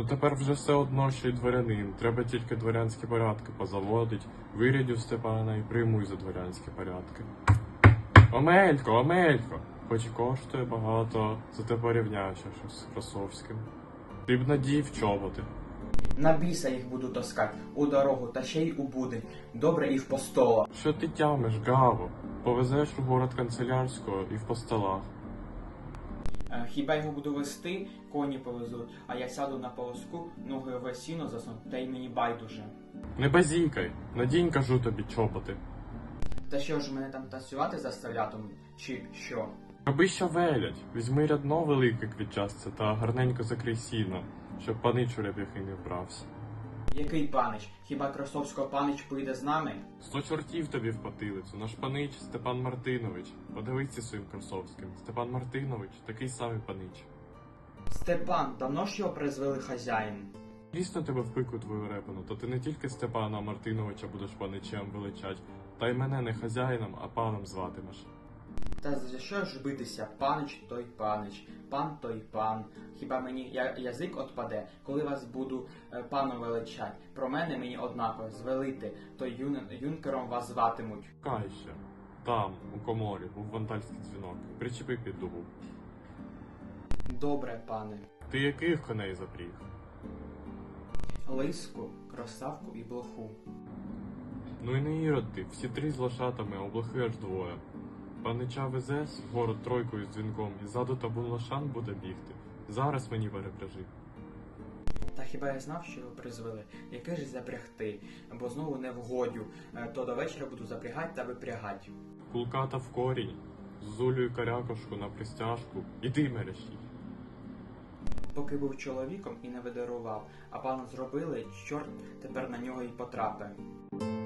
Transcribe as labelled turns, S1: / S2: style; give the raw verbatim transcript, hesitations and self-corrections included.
S1: тепер вже все одно, що й дворянин. Треба тільки дворянські порядки позаводить. Вирядю Степана і приймуй за дворянські порядки. Омелько, Омелько! Хоч і коштує багато, зате порівняєш щось з Красовським. Ти б надів чоботи.
S2: На біса їх буду таскать у дорогу та ще й у будень. Добре і в постола.
S1: Що ти тямиш, Гаво? Повезеш у город канцелярського і в постолах.
S2: Е, Хіба його буду вести, коні повезуть, а я сяду на полоску, ноги в сіно засну, та й мені байдуже.
S1: Не базікай, надінь, кажу тобі, чоботи.
S2: Та що ж мене там танцювати заставлятимуть, чи що?
S1: Аби що велять, візьми рядно велике квітчасце та гарненько закрий сіно, щоб панич у ряб'яхи не вбрався.
S2: Який панич? Хіба Красовського панич поїде з нами?
S1: Сто чортів тобі в потилицю, наш панич Степан Мартинович. Подивися своїм Красовським. Степан Мартинович такий самий панич.
S2: Степан, давно ж його призвели хазяїн?
S1: Дійсно тебе в пику твою репану, то ти не тільки Степана Мартиновича будеш паничем величать, та й мене не хазяїном, а паном зватимеш.
S2: Та за що ж битися? Панич той панич, пан той пан. Хіба мені я, язик отпаде, коли вас буду е, паном величать? Про мене мені однаково звелити, то юн, юнкером вас зватимуть.
S1: Кай ще. Там, у коморі, був вандальський дзвінок. Причепи під дубу.
S2: Добре, пане.
S1: Ти яких коней запріг?
S2: Лиску, красавку і блоху.
S1: Ну і не ірод ти, всі три з лошатами, а облахи аж двоє. Панича везеш в город тройкою з дзвінком, і ззаду табун лошан буде бігти. Зараз мені перепряжи.
S2: Та хіба я знав, що його призвели? Яке ж запрягти? Бо знову не вгодю, Е, то до вечора буду запрягати та випрягати.
S1: Кулката в корінь, з зулею карякошку на пристяжку, іди мерещій.
S2: Поки був чоловіком і не видарував, а пану зробили, чорт тепер на нього й потрапив.